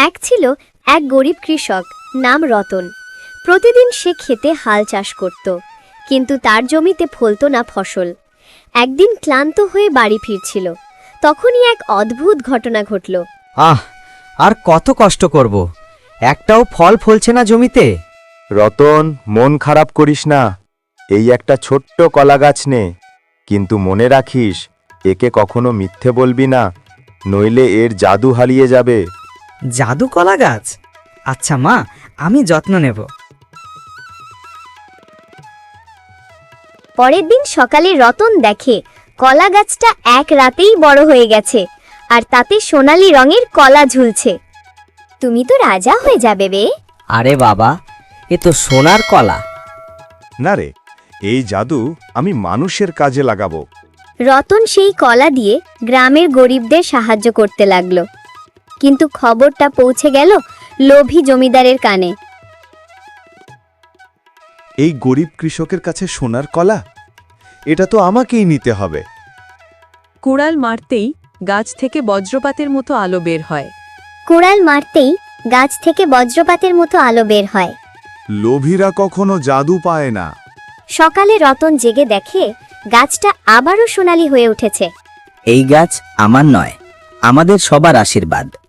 এক ছিল এক গরিব কৃষক নাম রতন। প্রতিদিন সে খেতে হাল চাষ করত, কিন্তু তার জমিতে ফলতো না ফসল। একদিন ক্লান্ত হয়ে বাড়ি ফিরছিল, তখনই এক অদ্ভুত ঘটনা ঘটল। আর কত কষ্ট করব, একটাও ফল ফলছে না জমিতে। রতন, মন খারাপ করিস না। এই একটা ছোট্ট কলা গাছ নে, কিন্তু মনে রাখিস একে কখনো মিথ্যে বলবি না, নইলে এর জাদু হারিয়ে যাবে। জাদু কলা গাছ? আচ্ছা মা, আমি যত্ন নেব। পরের দিন সকালে রতন দেখে কলা গাছটা এক রাতেই বড় হয়ে গেছে, আর তাতে সোনালী রঙের কলা ঝুলছে। তুমি তো রাজা হয়ে যাবে বে। আরে বাবা, এ তো সোনার কলা। না রে, এই জাদু আমি মানুষের কাজে লাগাবো। রতন সেই কলা দিয়ে গ্রামের গরিবদের সাহায্য করতে লাগলো, কিন্তু খবরটা পৌঁছে গেল লোভী জমিদারের কানে। এই গরিব কৃষকের কাছে সোনার কলা, এটা তো আমাকেই নিতে হবে। কুড়াল মারতেই গাছ থেকে বজ্রপাতের মতো আলো বের হয়। কুড়াল মারতেই গাছ থেকে বজ্রপাতের মতো আলো বের হয়। লোভীরা কখনো জাদু পায় না। সকালে রতন জেগে দেখে গাছটা আবারও সোনালী হয়ে উঠেছে। এই গাছ আমার নয়, আমাদের সবার আশীর্বাদ।